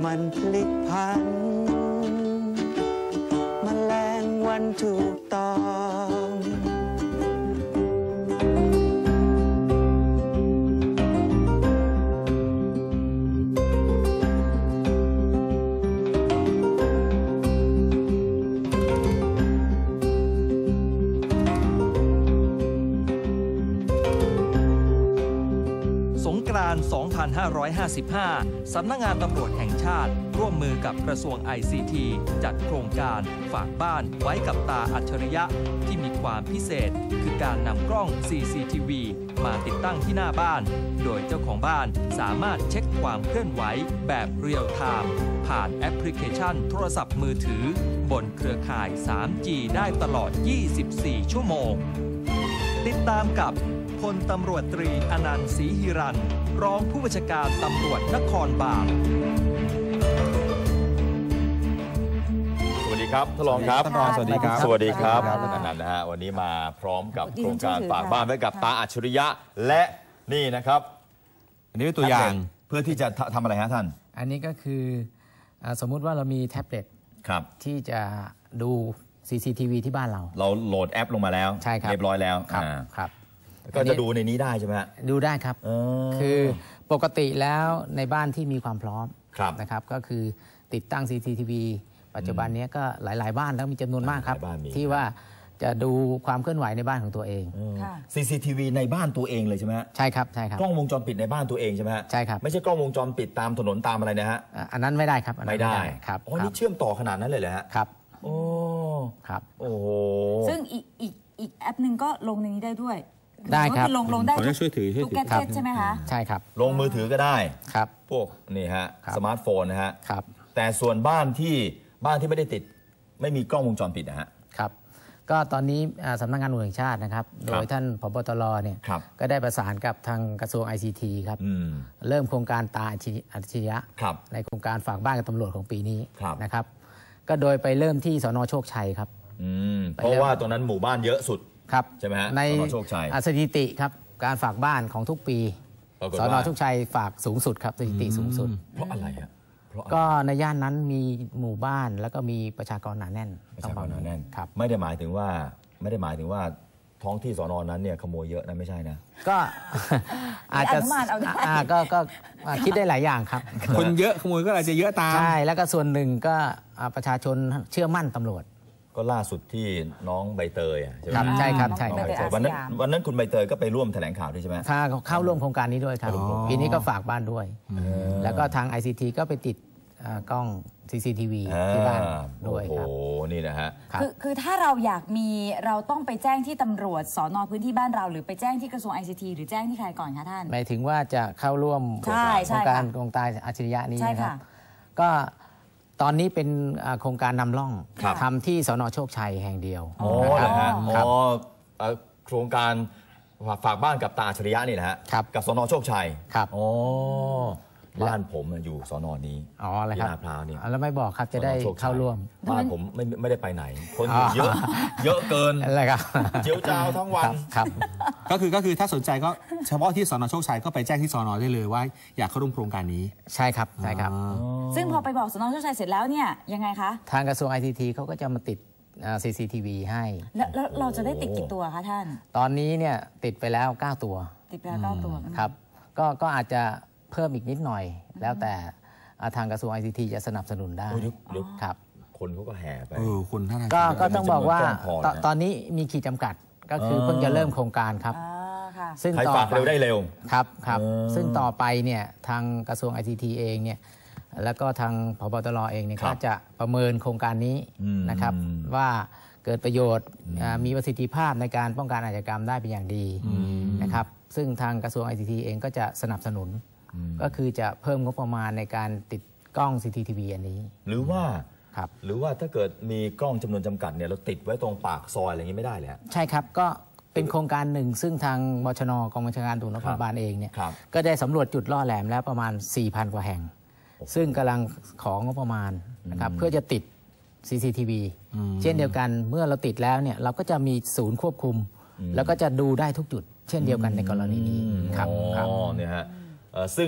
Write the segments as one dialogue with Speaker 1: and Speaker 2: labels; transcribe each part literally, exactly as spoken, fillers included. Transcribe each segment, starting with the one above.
Speaker 1: มันพลิกพันแมลงวันถูกต้อง
Speaker 2: สงกรานต์ สองพันห้าร้อยห้าสิบห้า สำนักงานตำรวจแห่งชาติร่วมมือกับกระทรวง ไอ ซี ที จัดโครงการฝากบ้านไว้กับตาอัจฉริยะที่มีความพิเศษคือการนำกล้อง ซี ซี ที วี มาติดตั้งที่หน้าบ้าน โดยเจ้าของบ้านสามารถเช็คความเคลื่อนไหวแบบเรียลไทม์ผ่านแอปพลิเคชันโทรศัพท์มือถือบนเครือข่าย ทรี จี ได้ตลอด ยี่สิบสี่ ชั่วโมงติดตามกับพลตำรวจตรีอนันต์ศรีหิรันต์รองผู้บัญชาการตำรวจนครบาล
Speaker 3: สวัสดีครับท่านรองครับ
Speaker 4: ท่านรองสวัสดีครับ
Speaker 3: สวัสดีครับท่านอนันต์นะฮะวันนี้มาพร้อมกับโครงการฝากบ้านไว้กับตาอัจฉริยะและนี่นะครับ
Speaker 4: อันนี้เป็นตัวอย่าง
Speaker 3: เพื่อที่จะทำอะไรฮะท่าน
Speaker 5: อันนี้ก็คือสมมุติว่าเรามีแท็บเล็ตที่จะดู ซี ซี ที วี ที่บ้านเรา
Speaker 3: เราโหลดแอปลงมาแล้ว
Speaker 5: ใช่ครับ
Speaker 3: เรียบร้อยแล้ว
Speaker 5: ครับครับ
Speaker 3: ก็จะดูในนี้ได้ใช่ไหมฮะ
Speaker 5: ดูได้ครับคือปกติแล้วในบ้านที่มีความพร้อมนะครับก็คือติดตั้ง ซี ซี ที วี ปัจจุบันนี้ก็หลายๆบ้านแล้วมีจำนวนมากครับที่ว่าจะดูความเคลื่อนไหวในบ้านของตัวเอง
Speaker 3: ซี ซี ที วี ในบ้านตัวเองเลยใช่ไหมฮะ
Speaker 5: ใช่ครับใช่ครับ
Speaker 3: กล้องวงจรปิดในบ้านตัวเองใช่ไหมฮะ
Speaker 5: ใช่ครับ
Speaker 3: ไม่ใช่กล้องวงจรปิดตามถนนตามอะไรนะฮะ
Speaker 5: อันนั้นไม่ได้ครับ
Speaker 3: ไม่ได้
Speaker 5: ครับ
Speaker 3: อ๋อนี่เชื่อมต่อขนาดนั้นเลยเหรอฮะ
Speaker 5: ครับ
Speaker 3: โอ้
Speaker 5: ครับ
Speaker 3: โอ้โห
Speaker 6: ซึ่งอีกอีกอีกแอปหนึ่งก็ลงในนี้ได้ด้วย
Speaker 5: ได้ครับ
Speaker 6: ลงลงได้
Speaker 4: ช่วยถือ
Speaker 6: ทุกแกจ็ตใช่ไหมคะ
Speaker 5: ใช่ครับ
Speaker 3: ลงมือถือก็ได้
Speaker 5: ครับ
Speaker 3: พวกนี่ฮะสมาร์ทโฟนนะฮะ
Speaker 5: ครับ
Speaker 3: แต่ส่วนบ้านที่บ้านที่ไม่ได้ติดไม่มีกล้องวงจรปิดนะฮะ
Speaker 5: ครับก็ตอนนี้สำนักงานตำรวจแห่งชาตินะครับโดยท่านผบ.ตร.เนี่ยก็ได้ประสานกับทางกระทรวง ไอ ซี ที ครับเริ่มโครงการตาอัจฉริยะในโครงการฝากบ้านกับตำรวจของปีนี้นะครับก็โดยไปเริ่มที่สน.โชคชัยครับ
Speaker 3: เพราะว่าตรงนั้นหมู่บ้านเยอะสุด
Speaker 5: ครับ
Speaker 3: ใช่ไหมฮะ
Speaker 5: ใน
Speaker 3: โชคชัย
Speaker 5: สถิติครับการฝากบ้านของทุกปีสน.โชคชัยฝากสูงสุดครับสถิติสูงสุด
Speaker 3: เพราะอะไรฮะ
Speaker 5: ก็ในย่านนั้นมีหมู่บ้านแล้วก็มีประชากรหนาแน่น
Speaker 3: ประชากรหนาแน่น
Speaker 5: ครับ
Speaker 3: ไม่ได้หมายถึงว่าไม่ได้หมายถึงว่าท้องที่สน.นั้นเนี่ยขโมยเยอะนะไม่ใช่นะ
Speaker 5: ก็อาจจะก็ก็คิดได้หลายอย่างครับ
Speaker 4: คนเยอะขโมยก็อาจจะเยอะตาม
Speaker 5: ใช่แล้วก็ส่วนหนึ่งก็ประชาชนเชื่อมั่นตำรวจ
Speaker 3: ก็ล่าสุดที่น้องใบเตยใช่ไหม
Speaker 5: ครับใช่ครับใช่ครับ
Speaker 3: วันนั้นวันนั้นคุณใบเตยก็ไปร่วมแถลงข่าวด้วยใช่ไหม
Speaker 5: ค่ะเข้าร่วมโครงการนี้ด้วยครับปีนี้ก็ฝากบ้านด้วยแล้วก็ทาง ไอ ซี ที ก็ไปติดกล้อง ซี ซี ที วี ที่บ้านด้วยครับ
Speaker 3: โอ้โหนี่นะฮะ
Speaker 6: คือคือถ้าเราอยากมีเราต้องไปแจ้งที่ตำรวจสน.พื้นที่บ้านเราหรือไปแจ้งที่กระทรวง ไอ ซี ที หรือแจ้งที่ใครก่อนคะท่าน
Speaker 5: หมายถึงว่าจะเข้าร่วมโครงการโครงการอัจฉริยะนี้นะครับก็ตอนนี้เป็นโครงการนำร่องทำที่สน.โชคชัยแห่งเดียว
Speaker 3: อ๋อนะฮะอ๋อโครงการฝากบ้านกับตาอัจฉริยะนี่นะฮะกับสน.โชคชัย
Speaker 5: ครับ
Speaker 3: อ๋อบ้านผมอยู่สน.นี้
Speaker 5: อ๋ออะไรครับ
Speaker 3: ที่ลาดพร้าวนี่
Speaker 5: แล้วไม่บอกครับจะได้เข้าร่วม
Speaker 3: บ้านผมไม่ไม่ได้ไปไหนคนอยู่เยอะเยอะเกิน
Speaker 5: อะไรครับ
Speaker 3: เจียวจ้าวทั้งวัน
Speaker 5: ครับ
Speaker 4: ก็คือก็คือถ้าสนใจก็เฉพาะที่สน.โชคชัยก็ไปแจ้งที่สน.ได้เลยว่าอยากเข้าร่วมโครงการนี้
Speaker 5: ใช่ครับใช่ครับ
Speaker 6: ซึ่งพอไปบอกสน.โชคชัยเสร็จแล้วเนี่ยยังไงคะ
Speaker 5: ทางกระทรวง ไอ ซี ที เขาก็จะมาติด ซี ซี ที วี ให้
Speaker 6: แล้วเราจะได้ติดกี่ตัวคะท่าน
Speaker 5: ตอนนี้เนี่ยติดไปแล้วเก้าตัว
Speaker 6: ติดไปแล้วเก้าตัว
Speaker 5: ครับก็ก็อาจจะเพิ่มอีกนิดหน่อยแล้วแต่ทางกระทรวง ไอ ซี ที จะสนับสนุนได้ครับ
Speaker 3: คนเขาก็แห่ไป
Speaker 4: เออคนท่าน
Speaker 5: ก็ก็ต้องบอกว่าตอนนี้มีขีดจำกัดก็คือเพิ่งจะเริ่มโครงการครับ
Speaker 3: ซึ่งต่อไปเร็วได้เร็ว
Speaker 5: ครับครับซึ่งต่อไปเนี่ยทางกระทรวง ไอ ซี ที เองเนี่ยแล้วก็ทางผบ.ตร.เองเนี่ยก็จะประเมินโครงการนี้นะครับว่าเกิดประโยชน์มีประสิทธิภาพในการป้องกันอาชญากรรมได้เป็นอย่างดีนะครับซึ่งทางกระทรวง ไอ ซี ที เองก็จะสนับสนุนก็คือจะเพิ่มงบประมาณในการติดกล้อง ซี ซี ที วี อันนี้
Speaker 3: หรือว่า
Speaker 5: ครับ
Speaker 3: หรือว่าถ้าเกิดมีกล้องจำนวนจำกัดเนี่ยเราติดไว้ตรงปากซอยอะไรอย่างนี้ไม่ได้เลย
Speaker 5: ใช่ครับก็เป็นโครงการหนึ่งซึ่งทางบชน.กองบัญชาการตำรวจนครบาลเองเนี่ยก็ได้สำรวจจุดล่อแหลมแล้วประมาณ สี่พัน กว่าแห่งซึ่งกำลังของงบประมาณนะครับเพื่อจะติด ซี ซี ที วี เช่นเดียวกันเมื่อเราติดแล้วเนี่ยเราก็จะมีศูนย์ควบคุมแล้วก็จะดูได้ทุกจุดเช่นเดียวกันในกรณีนี้ครับ
Speaker 3: อ๋อเนี่ยฮะซึ่ง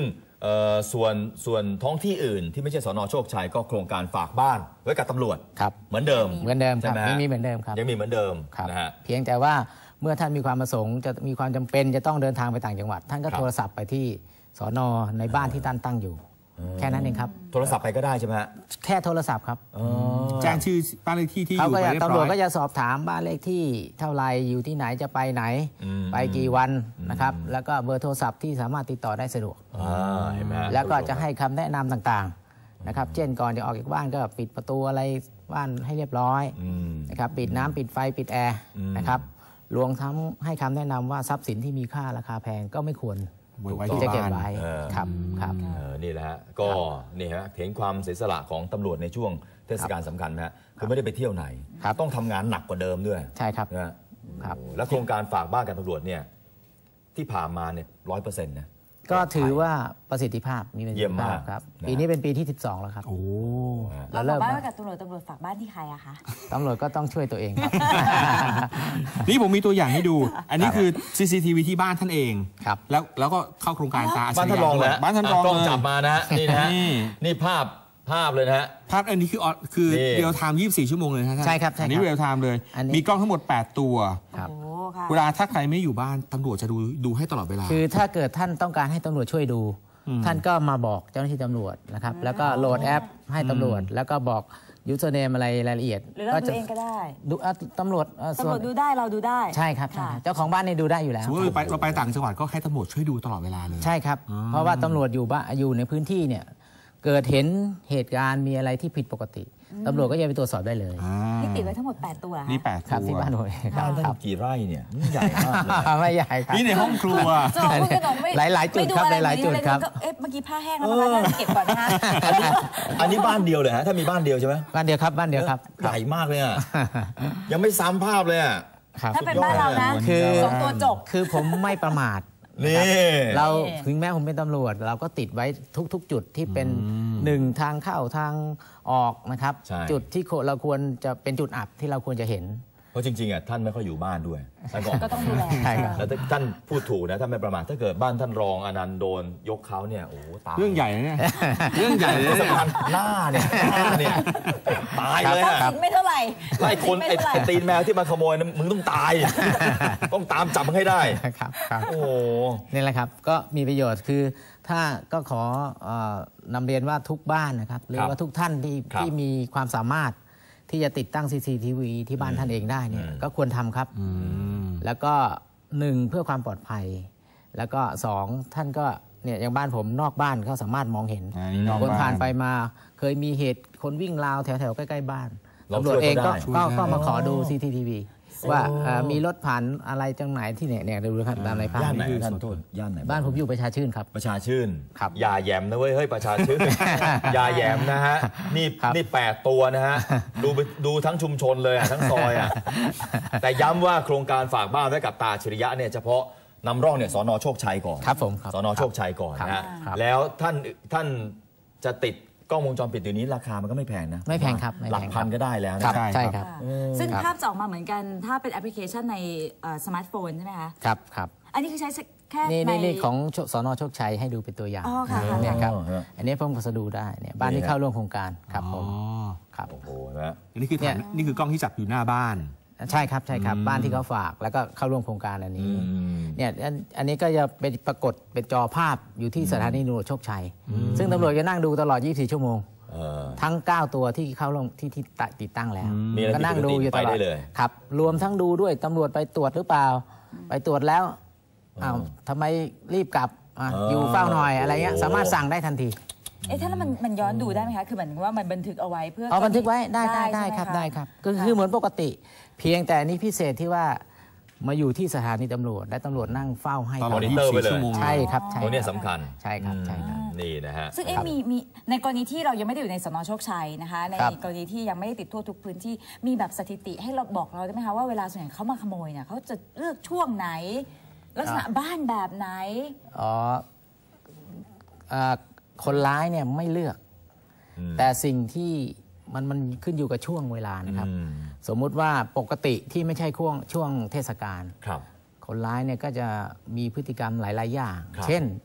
Speaker 3: ส่วนส่วนท้องที่อื่นที่ไม่ใช่สน.โชคชัยก็โครงการฝากบ้านไว้กับตำรวจ
Speaker 5: ครับ
Speaker 3: เหมือนเดิม
Speaker 5: เหมือนเดิมครับ
Speaker 3: ยัง
Speaker 5: มีเหมือนเดิมครับ
Speaker 3: ยังมีเหมือนเดิม
Speaker 5: นะฮะเพียงแต่ว่าเมื่อท่านมีความประสงค์จะมีความจำเป็นจะต้องเดินทางไปต่างจังหวัดท่านก็โทรศัพท์ไปที่สน.ในบ้านที่ท่านตั้งอยู่แค่นั้นเองครับ
Speaker 3: โทรศัพท์ไปก็ได้ใช่ไหมฮะ
Speaker 5: แค่โทรศัพท์ครับ
Speaker 4: แจ้งชื่อบ้านเลขที่ที่อยู่ไปเรียบร้อย
Speaker 5: ตำรวจก็จะสอบถามบ้านเลขที่เท่าไรอยู่ที่ไหนจะไปไหนไปกี่วันนะครับแล้วก็เบอร์โทรศัพท์ที่สามารถติดต่อได้สะดวกแล้วก็จะให้คำแนะนำต่างๆนะครับเช่นก่อนจะออกจากบ้านก็ปิดประตูอะไรบ้านให้เรียบร้อยนะครับปิดน้ำปิดไฟปิดแอร์นะครับรวมทั้งให้คำแนะนำว่าทรัพย์สินที่มีค่าราคาแพงก็ไม่ควรที่จะเก็บไว้ครับครับ
Speaker 3: นี่แหละฮะก็นี่ฮะเห็นความเสียสละของตำรวจในช่วงเทศกาลสำคัญนะคือไม่ได้ไปเที่ยวไหนต้องทำงานหนักกว่าเดิมด้วย
Speaker 5: ใช่ครับ
Speaker 3: นะครับแล้วโครงการฝากบ้านกับตำรวจเนี่ยที่ผ่านมาเนี่ยร้อยเปอร์เซ็นต์นะ
Speaker 5: ก็ถือว่าประสิทธิภาพมีประสิทธิภาพครับปีนี้เป็นปีที่สิบสองแล้วครับ
Speaker 6: โอ้เราเริ่มบ้านกับตำรวจตำรวจฝากบ้านที่ใครอะคะ
Speaker 5: ตำรวจก็ต้องช่วยตัวเองครับ
Speaker 4: นี่ผมมีตัวอย่างให้ดูอันนี้คือ ซี ซี ที วี ที่บ้านท่านเอง
Speaker 5: ครับ
Speaker 4: แล้วแล้วก็เข้าโครงการตา
Speaker 3: บ้านท่านรองแล้ว
Speaker 4: บ้านท่านรอง
Speaker 3: เลยจับมานะนี่นะนี่ภาพภาพเลยนะฮะ
Speaker 4: ภาพอันนี้คือคือเรียลไทม์ยี่สิบสี่ชั่วโมงเลยนะ
Speaker 5: ใช่ครับ
Speaker 4: อันนี้เรียลไทม์เลยมีกล้องทั้งหมดแปดตัวเวลาถ้าใครไม่อยู่บ้านตำรวจจะดูดูให้ตลอดเวลา
Speaker 5: คือถ้าเกิดท่านต้องการให้ตำรวจช่วยดูท่านก็มาบอกเจ้าหน้าที่ตำรวจนะครับแล้วก็โหลดแอปให้ตำรวจแล้วก็บอกยูเซอร์เนมอะไรรายละเอียด
Speaker 6: หรือเราดูเองก็ได้
Speaker 5: ดูตำรวจ
Speaker 6: ตำรวจดูได้เราดูได้
Speaker 5: ใช่ครับเจ้าของบ้านเนี่ยดูได้อยู่แล้ว
Speaker 4: สมมติเราไปเราไปต่างจังหวัดก็ให้ตำรวจช่วยดูตลอดเวลาเลย
Speaker 5: ใช่ครับเพราะว่าตำรวจอยู่บ้านอยู่ในพื้นที่เนี่ยเกิดเห็นเหตุการณ์มีอะไรที่ผิดปกติตำรวจก็จะไปตรวจสอบได้เลย
Speaker 6: นี่ติดไว้ทั้งหมดแปดตัว
Speaker 4: นี่แปด
Speaker 5: ครับที่บ้านผม
Speaker 3: ครับกี่ไร่เนี่ยใหญ่มากเลย
Speaker 5: ไม่ใหญ่ครับ
Speaker 4: นี่ในห้องครัว
Speaker 5: หลายหลายจุดครับหลายหลายจุดครับ
Speaker 6: เอ๊ะเมื่อกี้ผ้าแห้งแล้วนะคะเก็บก่อนนะคะ
Speaker 3: อันนี้บ้านเดียวเลยฮะถ้ามีบ้านเดียวใช่ไหม
Speaker 5: บ้านเดียวครับบ้านเดียวครับ
Speaker 3: ใหญ่มากเลยอ่ะยังไม่ซ้ำภาพเลยอ่ะ
Speaker 6: ถ้าเป็นบ้านเรานะสองตัวจบ
Speaker 5: คือผมไม่ประมาท
Speaker 3: นี่
Speaker 5: เราถึงแม้ผมเป็นตำรวจเราก็ติดไว้ทุกๆจุดที่เป็นหนึ่งทางเข้าทางออกนะครับจุดที่เราควรจะเป็นจุดอับที่เราควรจะเห็น
Speaker 3: เพราะจริงๆอ่ะท่านไม่ค่อยอยู่บ้านด้วย
Speaker 6: ก็ต้องดูแล
Speaker 3: แล้วท่านพูดถูกนะท่านไม่ประมาทถ้าเกิดบ้านท่านรองอนันต์โดนยกเขาเนี่ยโอ้ตาย
Speaker 4: เรื่องใหญ่เนี่ยเรื่องใหญ่เลย
Speaker 3: สำคัญหน้าเนี่ยหน้าเนี่ยตายเลยอ่ะ
Speaker 6: ไม่เท่าไหร่
Speaker 3: ไล่คนไอ้ตีนแมวที่มาขโมยมึงต้องตายต้องตามจับมันให้ได้
Speaker 5: ครับ
Speaker 3: โอ้
Speaker 5: นี่แหละครับก็มีประโยชน์คือถ้าก็ขอนำเรียนว่าทุกบ้านนะครับหรือว่าทุกท่านที่ที่มีความสามารถที่จะติดตั้ง ซี ซี ที วี ที่บ้านท่านเองได้เนี่ยก็ควรทำครับแล้วก็หนึ่งเพื่อความปลอดภัยแล้วก็สองท่านก็เนี่ยอย่างบ้านผมนอกบ้านเขาสามารถมองเห็นคนผ่านไปมาเคยมีเหตุคนวิ่งราวแถวๆใกล้ๆบ้านตำรวจเองก็ก็มาขอดู ซี ซี ที วี ว่ามีรถผ่านอะไรจังไหนที่เนี่ยเนี่ยดูครับตามในภาพ
Speaker 3: ย่านไหนท่านโทษย่านไหน
Speaker 5: บ้านผมอยู่ประชาชื่นครับ
Speaker 3: ประชาชื่น
Speaker 5: ครับ
Speaker 3: อย่าแยมนะเว้ยเฮ้ยประชาชื่นอย่าแยมนะฮะนี่นี่แปดตัวนะฮะดูดูทั้งชุมชนเลยอ่ะทั้งซอยอ่ะแต่ย้ำว่าโครงการฝากบ้านไว้กับตาอัจฉริยะเนี่ยเฉพาะนำร่องเนี่ยสน.โชคชัยก่อน
Speaker 5: ครับผม
Speaker 3: สน.โชคชัยก่อนนะฮะแล้วท่านท่านจะติดกล้องวงจรปิดเดี๋ยวนี้ราคามันก็ไม่แพงนะ
Speaker 5: ไม่แพงครับ
Speaker 3: หลักพันก็ได้แล้ว
Speaker 5: นะใช่ครับ
Speaker 6: ซึ่งภาพจะออกมาเหมือนกันถ้าเป็นแอปพลิเคชันในสมาร์ทโฟนใช่ไหมคะ
Speaker 5: ครับครับ
Speaker 6: อันนี้คือใช้แค่
Speaker 5: ในนี่ของสน.โชคชัยให้ดูเป็นตัวอย่างเนี่ยครับอันนี้เพิ่มก็จะดูได้เนี่ยบ้านที่เข้าร่วมโครงการครับผมครับ
Speaker 3: โอ้โหนะ
Speaker 4: อันนี้คือนี่คือกล้องที่จับอยู่หน้าบ้าน
Speaker 5: ใช่ครับใช่ครับบ้านที่เขาฝากแล้วก็เข้าร่วมโครงการอันนี้เนี่ยอันนี้ก็จะเป็นปรากฏเป็นจอภาพอยู่ที่สถานีตำรวจโชคชัยซึ่งตำรวจจะนั่งดูตลอดยี่สิบสี่ชั่วโมงทั้งเก้าตัวที่เข้าร่วมที่ที่ติดตั้งแล้วก็นั่งดูอยู่ตลอดครับรวมทั้งดูด้วยตำรวจไปตรวจหรือเปล่าไปตรวจแล้วอ้าวทำไมรีบกลับอยู่เฝ้าหน่อยอะไรเงี้ยสามารถสั่งได้ทันที
Speaker 6: เอ๊ะถ้าแล้วมันมันย้อนดูได้ไหมคะคือเหมือนว่ามันบันทึกเอาไว้เพื่อ
Speaker 5: เอาบันทึกไว้ได้ได้ได้ครับได้ครับก็คือเหมือนปกติเพียงแต่นี้พิเศษที่ว่ามาอยู่ที่สถานีตำรวจและตำรวจนั่งเฝ้าให้
Speaker 3: ตลอดยี่สิบสี่ชั่วโมง
Speaker 5: ใช่ครับใช่
Speaker 3: ตัวนี้สำคัญ
Speaker 5: ใช่ครับใช่ครับ
Speaker 3: นี่นะฮะ
Speaker 6: ซึ่งเอ๊ะมีมีในกรณีที่เรายังไม่ได้อยู่ในสน.โชคชัยนะคะในกรณีที่ยังไม่ได้ติดทั่วทุกพื้นที่มีแบบสถิติให้เราบอกเราได้ไหมคะว่าเวลาส่วนใหญ่เขามาขโมยเนี่ยเขาจะเลือกช่วงไหนลักษณะบ้านแบบไหน
Speaker 5: อ๋อคนร้ายเนี่ยไม่เลือกแต่สิ่งที่มันมันขึ้นอยู่กับช่วงเวลานะครับสมมุติว่าปกติที่ไม่ใช่ช่วงช่วงเทศกาลคนร้ายเนี่ยก็จะมีพฤติกรรมหลายๆอย่างเช่นข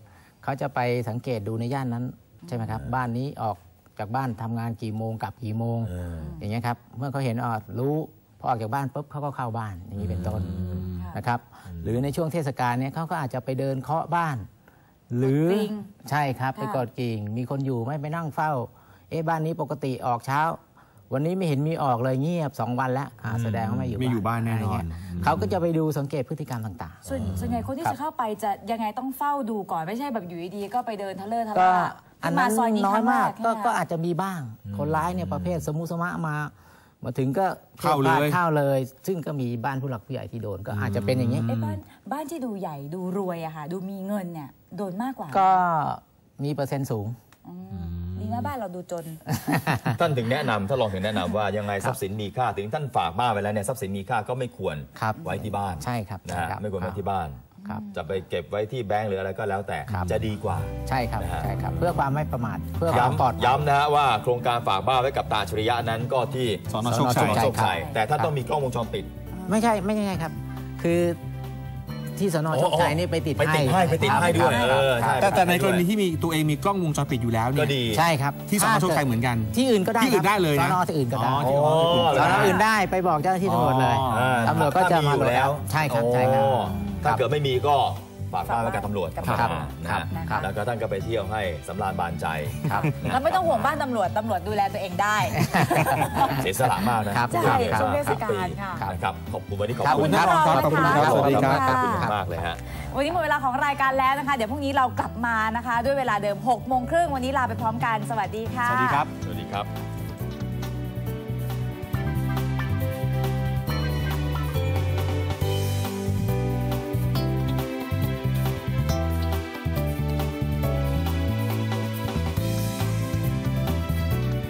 Speaker 5: เขาจะไปสังเกตดูในย่านนั้นใช่ไหมครับบ้านนี้ออกจากบ้านทำงานกี่โมงกลับกี่โมง
Speaker 3: เออ
Speaker 5: อย่างเงี้ยครับเมื่อเขาเห็นอ๋อรู้พอออกจากบ้านปุ๊บเขาก็เข้าบ้านอย่างนี้เป็นต้นนะครับหรือในช่วงเทศกาลเนี้ยเขาก็อาจจะไปเดินเคาะบ้าน หรือใช่ครับไปกดกิ่งมีคนอยู่ไม่ไปนั่งเฝ้าเอ๊ะบ้านนี้ปกติออกเช้าวันนี้ไม่เห็นมีออกเลยเงียบสองวันแล้วแสดงว่าไม่อยู่
Speaker 4: ไม่อยู่บ้านแน่นอน
Speaker 5: เขาก็จะไปดูสังเกตพฤติกรรมต่างๆ
Speaker 6: ส่วนส่วนใหญ่คนที่จะเข้าไปจะยังไงต้องเฝ้าดูก่อนไม่ใช่แบบอยู่ดีๆก็ไปเดินทะเลทะ
Speaker 5: ก็
Speaker 6: ล่า
Speaker 5: อัน
Speaker 6: มา
Speaker 5: นั้น
Speaker 6: ซอยนี้
Speaker 5: น้อยมากก็ก็
Speaker 6: อา
Speaker 5: อาจจะมีบ้าง คนร้ายเนี่ยประเภทสมุสมะมามาถึงก็
Speaker 4: เข้าเลย
Speaker 5: เข้าเลย ซึ่งก็มีบ้านผู้หลักผู้ใหญ่ที่โดนก็อาจจะเป็นอย่างนี้
Speaker 6: ไอ้บ้านบ้านที่ดูใหญ่ดูรวยอะค่ะดูมีเงินเนี่ยโดนมากกว่า
Speaker 5: ก็มีเปอร์เซ็นต์สูง
Speaker 6: อืมดีนะบ้านเราดูจน
Speaker 3: ท่านถึงแนะนำถ้าลองถึงแนะนำว่ายังไงทรัพย์สินมีค่าถึงท่านฝากบ้านไปแล้วเนี่ยทรัพย์สินมีค่าก็ไม่ควร
Speaker 5: ครับ
Speaker 3: ไว้ที่บ้าน
Speaker 5: ใช่ครับ
Speaker 3: นะ
Speaker 5: ใช่
Speaker 3: ฮะ
Speaker 5: ครับ
Speaker 3: ไม่ควรไว้ที่บ้าน
Speaker 5: ครับ
Speaker 3: จะไปเก็บไว้ที่แบงก์หรืออะไรก็แล้วแต่
Speaker 5: ครับ
Speaker 3: จะดีกว่า
Speaker 5: ใช่ครับ
Speaker 3: นะฮะ
Speaker 5: ใช่ครับ เพื่อความไม่ประมาทเพื่อความปลอดภัย
Speaker 3: ย้ำย้ำนะฮะว่าโครงการฝากบ้านไว้กับตาอัจฉริยะนั้นก็ที่
Speaker 4: สนโชคชัย
Speaker 3: สนโชคชัย
Speaker 5: ครับ
Speaker 3: แต่ท่าน
Speaker 5: ครับ
Speaker 3: ต้องมีกล้องวงจรปิด
Speaker 5: ไม่ใช่ไม่ใช่ครับ คือที่สนโชคชัยนี่ไปติด
Speaker 3: ไปติดให้ไปติดให้ด้วย
Speaker 5: ครับ
Speaker 3: เออใช่
Speaker 4: แต่แต่ในกรณีที่มีตัวเองมีกล้องวงจรปิดอยู่แล้วเนี่
Speaker 3: ก็
Speaker 4: ย
Speaker 3: ดี
Speaker 5: ใช่ครับ
Speaker 4: ที่สนโชคชัยเหมือนกัน
Speaker 5: ที่อื่นก็ได้
Speaker 4: ที่อื่นได้เลย
Speaker 5: ส
Speaker 4: นะ
Speaker 5: นที่อื่นก็ได้
Speaker 4: อ๋อที่
Speaker 3: อ๋อ
Speaker 5: สนอื่นได้ไปบอกเจ้าหน้าที่ตำรวจเลย
Speaker 4: อ๋อ
Speaker 5: ตำรวจก็จะมา
Speaker 3: ถ้อยู่แล้ว
Speaker 5: ใช่ครับใช่ครับ
Speaker 3: อ๋อถ้า
Speaker 5: ครับ
Speaker 3: เกิดไม่มีก็ฝากบ้านไว้กับตำรวจ
Speaker 6: ครับ
Speaker 3: ครับนะ
Speaker 5: ครั
Speaker 3: ฮะ
Speaker 5: บครับ
Speaker 3: แล้วก็ท่านก็ไปเที่ยวให้สำราญบานใจ
Speaker 5: ครับ
Speaker 6: เราไม่ต้องห่วงบ้านตำรวจตำรวจดูแลตัวเองได้
Speaker 3: เสียสละมากนะครับ
Speaker 6: ใช่
Speaker 3: ครับ
Speaker 6: ช่วงเทศกาล
Speaker 3: ปี
Speaker 6: ค่ะ
Speaker 3: นะครับขอบคุณวันนี้ขอบ
Speaker 5: ครับ
Speaker 3: คุณ
Speaker 5: ครับ
Speaker 6: ขอบคุณครับ
Speaker 3: ขอบคุณ
Speaker 4: สวัสดีครับ
Speaker 3: ขอบคุณมากเลยฮะ
Speaker 6: วันนี้หมดเวลาของรายการแล้วนะคะ เดี๋ยวพรุ่งนี้เรากลับมานะคะ ด้วยเวลาเดิมหกโมงครึ่งวันนี้ลาไปพร้อมกันสวัสดีค่ะ
Speaker 4: สวัสดีครับ
Speaker 3: สวัสดีครับ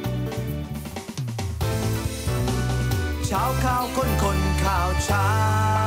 Speaker 1: เช้าข่าวคนคนข่าวเช้า